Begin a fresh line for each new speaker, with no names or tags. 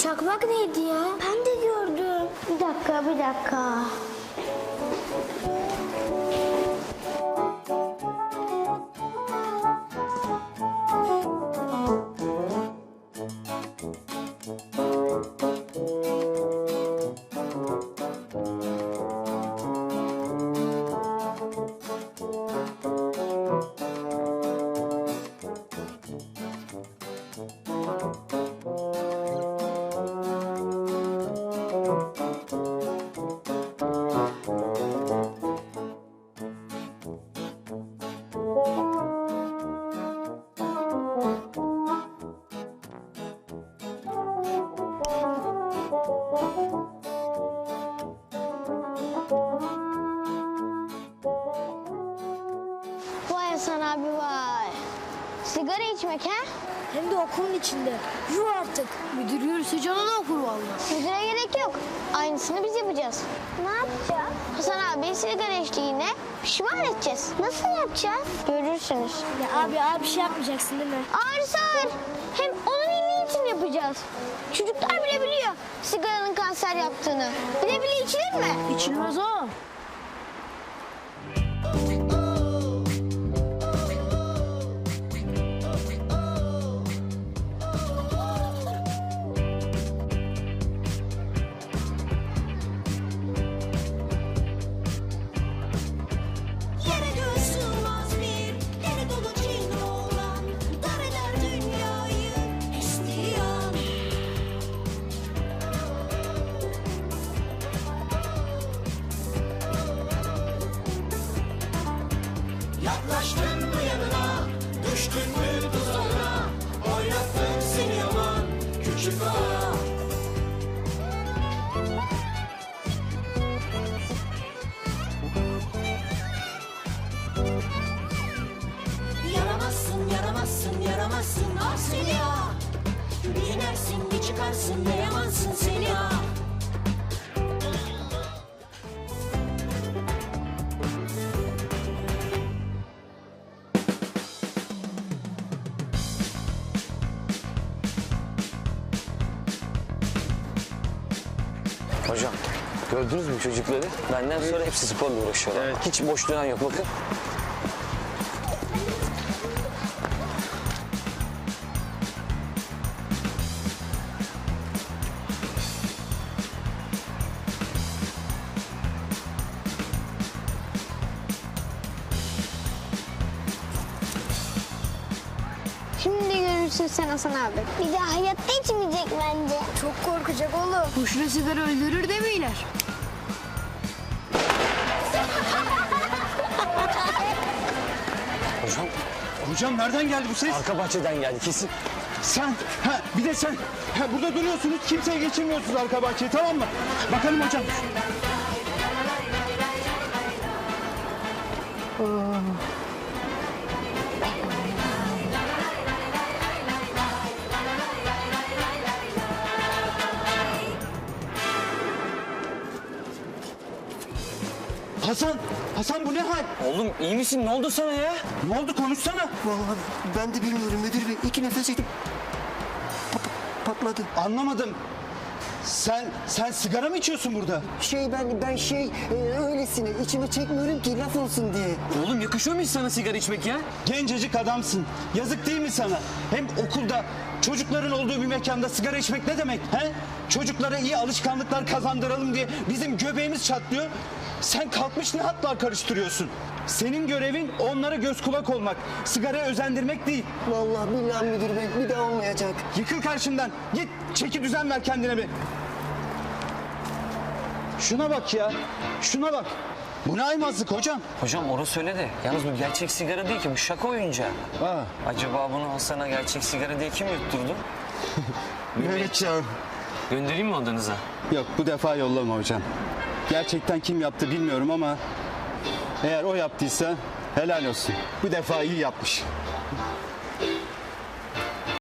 Çakmak neydi ya? Ben de gördüm. Bir dakika. Vay Hasan abi vay. Sigara içmek ha?
Hem de okulun içinde. Yuh artık. Müdür yürüse canını okur vallahi.
Müdüre gerek yok. Aynısını biz yapacağız. Ne yapacağız? Hasan abi sigara içtiğine pişman edeceğiz. Nasıl yapacağız? Görürsünüz.
Ya abi şey yapmayacaksın değil mi?
Ağır sağır. Hem onun iyiliği için yapacağız. Çocuklar bile biliyor sigaranın kanser yaptığını. Bile içilir mi?
İçilmez o.
Yaklaştın mı yanına, düştün mü tuzağına, oynattın seni yaman küçük ağa. Yaramazsın ah seni ya. Bir inersin bir çıkarsın ne yamansın seni ya.
Hocam gördünüz mü çocukları? Benden sonra hepsi sporla uğraşıyorlar. Evet. Hiç boş duran yok bakın.
Şimdi görürsün sen Hasan abi. Bir daha hayatta içmeyecek bence.
Çok korkacak oğlum. Boşuna sigara öldürür demiyorlar.
Hocam
Hocam nereden geldi bu ses?
arka bahçeden geldi kesin.
Sen, bir de sen. Burada duruyorsunuz, kimseye geçirmiyorsunuz arka bahçeyi, tamam mı? Bakalım hocam. Hasan bu ne hal?
Oğlum iyi misin? Ne oldu sana ya?
Ne oldu, konuşsana.
Vallahi ben de bilmiyorum müdür bey. 2 nefes çektim. Patladı.
Anlamadım. Sen sigara mı içiyorsun burada?
Öylesine içime çekmiyorum ki laf olsun diye.
Oğlum yakışıyor mu hiç sana sigara içmek ya?
Gencecik adamsın. Yazık değil mi sana? Hem okulda çocukların olduğu bir mekanda sigara içmek ne demek? He? Çocuklara iyi alışkanlıklar kazandıralım diye bizim göbeğimiz çatlıyor. Sen kalkmış ne hatlar karıştırıyorsun? Senin görevin onlara göz kulak olmak. Sigaraya özendirmek değil.
Vallahi billahi müdür bey bir daha olmayacak.
Yıkıl karşımdan. Git çeki düzen ver kendine bir. Şuna bak ya. Şuna bak. Bu ne aymazlık hocam?
Hocam orası öyle de. Yalnız bu gerçek sigara değil ki. Bu şaka oyuncağı. Acaba bunu Hasan'a gerçek sigara diye kim yutturdu?
Mehmetcan.
Göndereyim mi odanıza?
Yok bu defa yollama hocam. Gerçekten kim yaptı bilmiyorum ama eğer o yaptıysa helal olsun. Bu defa iyi yapmış.